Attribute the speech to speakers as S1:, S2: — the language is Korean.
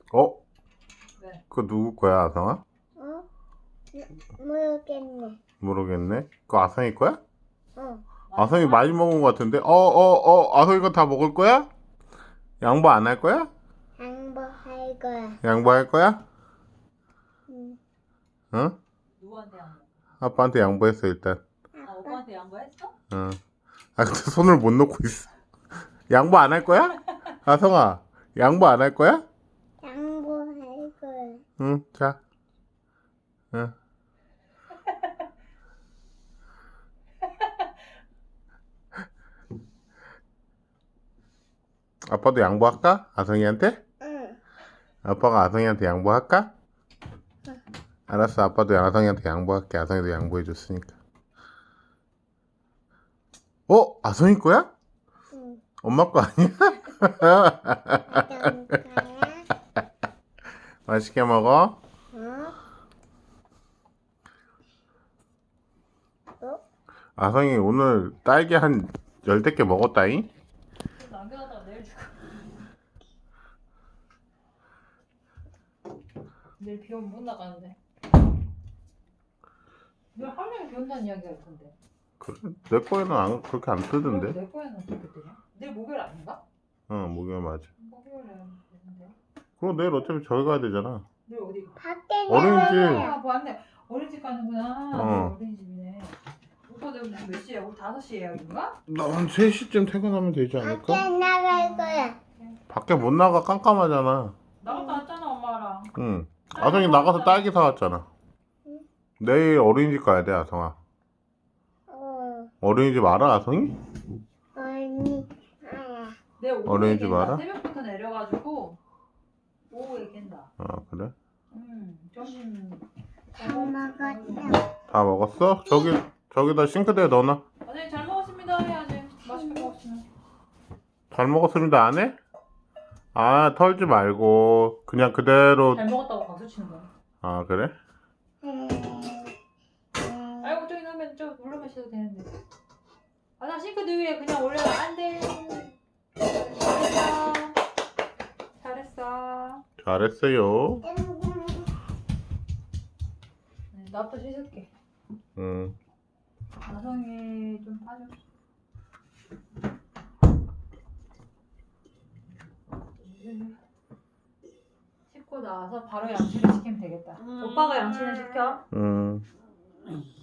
S1: 어?
S2: 왜?
S1: 그거 누구 거야, 아성아?
S3: 어? 모르겠네.
S1: 모르겠네. 그거 아성이 거야?
S3: 어.
S1: 아성이 많이 먹은 것 같은데? 아성이가 다 먹을 거야? 양보 안 할 거야?
S3: 양보할 거야.
S1: 양보할 거야?
S3: 응.
S1: 응?
S2: 누구한테 양보?
S1: 아빠한테 양보했어, 일단.
S2: 아,
S3: 아빠
S2: 오빠한테 양보했어?
S1: 응. 아, 근데 손을 못 놓고 있어. 양보 안 할 거야? 아성아, 양보 안 할 거야?
S3: 양보할 거야.
S1: 응, 자. 응. 아빠도 양보할까? 아성이한테?
S3: 응.
S1: 아빠가 아성이한테 양보할까?
S3: 응.
S1: 알았어, 아빠도 아성이한테 양보할게. 아성이도 양보해줬으니까. 아성이 거야?
S3: 응.
S1: 엄마 거 아니야?
S3: 어떤 거야?
S1: 맛있게 먹어.
S3: 어? 어?
S1: 아성이 오늘 딸기 한 10개 먹었다잉?
S2: 남겨놨다가 내일 줄까? 내일 비 오면 못 나가는데. 내일 하루 종일 비 온다는 이야기가 있던데.
S1: 그래? 내 거에는 그렇게 안 뜨던데?
S2: 내 거에는 어떻게 뜨냐? 내일 목요일 아닌가?
S1: 응, 목요일 맞아.
S2: 목요일에 되는데.
S1: 그럼 내일 어차피 저기 가야 되잖아.
S2: 내일 어디 가?
S3: 밖에
S1: 어린이집.
S3: 나가야.
S2: 아, 맞네. 어린이집 가는구나.
S1: 어.
S2: 내일 어린이집이네. 오빠 내일 몇 시에? 우리 5시 예약인가?
S1: 나 한 3시쯤 퇴근하면 되지 않을까?
S3: 밖에 나갈 거야.
S1: 밖에 못 나가 깜깜하잖아.
S2: 나갔다 왔잖아 엄마랑.
S1: 응. 아성이 나가서 딸기 사왔잖아.
S3: 응.
S1: 내일 어린이집 가야 돼, 아성아. 어린이집 알아, 아성이?
S3: 언니. 아.
S2: 내일 오후에
S1: 어린이집
S2: 깬다.
S1: 알아?
S2: 새벽부터 내려가지고 오후에 깬다.
S1: 아, 그래?
S2: 점심
S3: 다 먹었어.
S1: 다 먹었어? 저기다 싱크대에 넣어놔.
S2: 네, 잘 먹었습니다 해야지. 맛있게 먹었으면.
S1: 잘 먹었습니다, 안 해? 아, 털지 말고 그냥 그대로.
S2: 잘 먹었다고 박수 치는 거야.
S1: 아, 그래?
S2: 아이고 저기 넣으면 저 물로 마셔도 되는데. 아, 나 싱크대 위에 그냥 올려. 안 돼. 잘했어. 잘했어.
S1: 잘했어요.
S2: 네, 나부터 씻을게.
S1: 응.
S2: 나성이 좀 빠져. 씻고 나와서 바로 양치를 시키면 되겠다. 오빠가 양치는 시켜.
S1: 응.